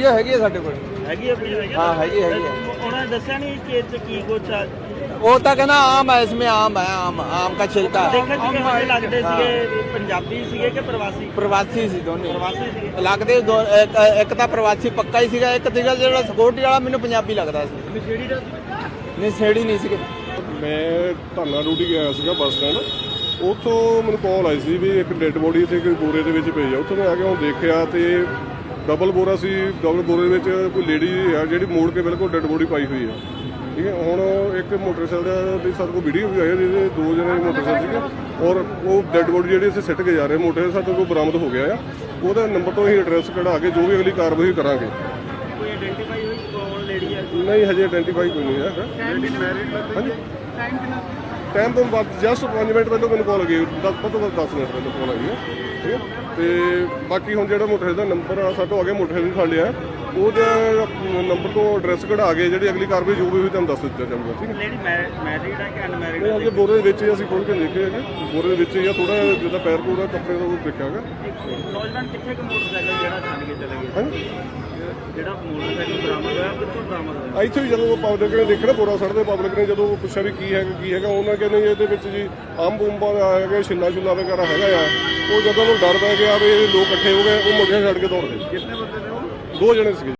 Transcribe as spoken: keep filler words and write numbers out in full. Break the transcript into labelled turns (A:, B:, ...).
A: Video ਹੈਗੀ ਹੈ ਸਾਡੇ ਕੋਲ।
B: ਹੈਗੀ ਆ ਵੀਡੀਓ?
A: ਹਾਂ ਹੈਗੀ ਹੈਗੀ ਹੈ।
B: ਉਹਨਾਂ ਨੇ ਦੱਸਿਆ ਨਹੀਂ ਕਿ ਇਹ 'ਚ ਕੀ ਕੁਛ ਆ?
A: वो तो कहना आम है, इसमें आम है, आम आम का छिलका है।
B: ਦੇਖਣ 'ਚ ਕਿਹੋ ਜਿਹੇ ਲੱਗਦੇ ਸੀਗੇ? ਪੰਜਾਬੀ ਸੀਗੇ ਕਿ ਪ੍ਰਵਾਸੀ?
A: प्रवासी सी दोनों
B: ਪ੍ਰਵਾਸੀ ਸੀਗੇ।
A: लगते दो एक, एक तो प्रवासी पक्का ही सीगा, एक सीगा जो सिक्योरिटी वाला मैंने पंजाबी लगता सी।
B: ਨਸ਼ੇੜੀ ਦਾ
A: नहीं छेड़ी नहीं सीगे।
C: ਮੈਂ ਧਾਨਾ ਡਿਊਟੀ ਗਿਆ ਸੀਗਾ ਬੱਸ ਸਟੈਂਡ। ਉੱਥੋਂ ਮੈਨੂੰ ਕਾਲ ਆਈ ਸੀ ਵੀ ਇੱਕ ਡੈੱਡ ਬੋਡੀ ਇੱਥੇ ਕੋਈ ਬੋਰੇ ਦੇ ਵਿੱਚ ਪਈ ਆ। ਉੱਥੋਂ ਮੈਂ ਆ ਕੇ ਉਹ ਦੇਖਿਆ ਤੇ ਡਬਲ ਬੋਰਾ ਸੀ। ਡਬਲ ਬੋਰੇ ਵਿੱਚ ਕੋਈ ਲੇਡੀ ਆ ਜਿਹੜੀ ਮੋੜ ਕੇ ਬਿਲਕੁਲ ਡੈੱਡ ਬੋਡੀ ਪਾਈ ਹੋਈ ਆ। ਠੀਕ ਹੈ, ਹੁਣ ਇੱਕ ਮੋਟਰਸਾਈਕਲ ਦੀ ਸਾਡੇ ਕੋਲ ਵੀਡੀਓ ਵੀ ਆਈ ਜਿਹਦੇ ਦੋ ਜਣੇ ਮੋਟਰਸਾਈਕਲ ਸੀਗੇ ਔਰ ਉਹ ਡੈੱਡ ਬੋਡੀ ਜਿਹੜੀ ਅਸੀਂ ਸਿੱਟ ਕੇ ਜਾ ਰਹੇ ਮੋਟਰਸਾਈਕਲ ਸਾਡੇ ਕੋਲ ਬਰਾਮਦ ਹੋ ਗਿਆ ਆ। ਉਹਦਾ ਨੰਬਰ ਤੋਂ ਅਸੀਂ ਐਡਰੈਸ ਕਢਾ ਕੇ ਜੋ ਵੀ ਅਗਲੀ ਕਾਰਵਾਈ ਕਰਾਂਗੇ।
B: ਕੋਈ ਆਇਡੈਂਟੀਫਾਈ ਹੋਈ ਕੌਣ ਲੇਡੀ ਹੈ?
C: ਨਹੀਂ ਹਜੇ ਆਇਡੈਂਟੀਫਾਈ ਕੋਈ ਨਹੀਂ ਹੈਗਾ। ਹਾਂਜੀ
B: ਟਾਈਮ ਕਿੰਨਾ?
C: ਟਾਈਮ ਤੋਂ ਬਾਅਦ ਜਸਟ ਪੰਜ ਮਿੰਟ ਪਹਿਲਾਂ ਮੈਨੂੰ ਕਾਲ ਗਈ, ਦਸ ਤੋਂ ਦਸ ਮਿੰਟ ਪਹਿਲਾਂ ਕਾਲ ਆਈ ਹੈ। ਠੀਕ ਹੈ, ਤੇ ਬਾਕੀ ਹੁਣ ਜਿਹੜਾ ਮੋਟਰਸਾਈਕਲ ਦਾ ਨੰਬਰ ਆ ਸਾਡੇ ਤੋਂ ਅੱਗੇ ਮੋਟਰਸਾਈਕਲ ਵੀ ਫੜ ਲਿਆ, ਉਹਦੇ ਨੰਬਰ ਤੋਂ ਐਡਰੈਸ ਕਢਾ ਕੇ ਜਿਹੜੀ ਅਗਲੀ ਕਾਰਵਾਈ ਜੋ ਵੀ ਹੋਈ ਤੁਹਾਨੂੰ ਦੱਸ ਦਿੱਤਾ ਜਾਊਗਾ। ਠੀਕ ਹੈ,
B: ਲੇਡੀ ਮੈਰਿਡ ਹੈ ਕਿ ਅਨਮੈਰਿਡ
C: ਨਹੀਂ
B: ਹੈ?
C: ਅਜੇ ਬੋਰੇ ਦੇ ਵਿੱਚ ਹੀ ਅਸੀਂ ਖੋਲ ਕੇ ਦੇਖੇ ਹੈਗੇ, ਬੋਰੇ ਦੇ ਵਿੱਚ ਹੀ ਆ ਥੋੜਾ ਜਿੱਦਾਂ ਪੈਰ ਪੂਰਾ ਕੱਪੜੇ ਦਾ ਉਹ ਦੇਖਿਆ ਹੈਗਾ।
B: ਨੌਜਵਾਨ ਕਿੱਥੇ ਕੁ ਮੋਟਰਸਾਈਕਲ ਜਿਹੜਾ ਛੱਡ ਕੇ ਚਲੇ ਗਏ?
C: ਹਾਂਜੀ
B: ਜਿਹੜਾ ਮੋਟਰਸਾਈਕਲ ਬਰਾਮਦ ਹੋਇਆ ਕਿੱਥੋਂ ਬਰਾਮਦ ਹੋਇਆ?
C: ਇੱਥੇ ਵੀ ਜਦੋਂ ਪਬਲਿਕ ਨੇ ਦੇਖਿਆ ਨਾ ਬੋਰਾ ਸੜਦੇ, ਪਬਲਿਕ ਨੇ ਜਦੋਂ ਪੁੱਛਿਆ ਵੀ ਕੀ ਹੈਗਾ ਕੀ ਹੈਗਾ, ਉਹਨਾਂ ਕਹਿੰਦੇ ਜੀ ਇਹਦੇ ਵਿੱਚ ਜੀ ਅੰਬ ਉੰਬਾਂ ਦਾ ਹੈਗਾ, ਛਿੱਲਾ ਛੁੱਲਾ ਵਗੈਰਾ ਹੈਗਾ ਆ। ਉਹ ਜਦੋਂ ਉਹਨੂੰ ਡਰ ਪੈ ਗਿਆ ਵੀ ਇਹ ਲੋਕ ਇਕੱਠੇ ਹੋ ਗਏ, ਉਹ ਮੁੰਡੇ ਛੱਡ ਕੇ ਦੌੜ ਗਏ।
B: ਕਿੰਨੇ ਬੰਦੇ ਨੇ ਉਹ?
C: ਦੋ ਜਣੇ ਸੀਗੇ।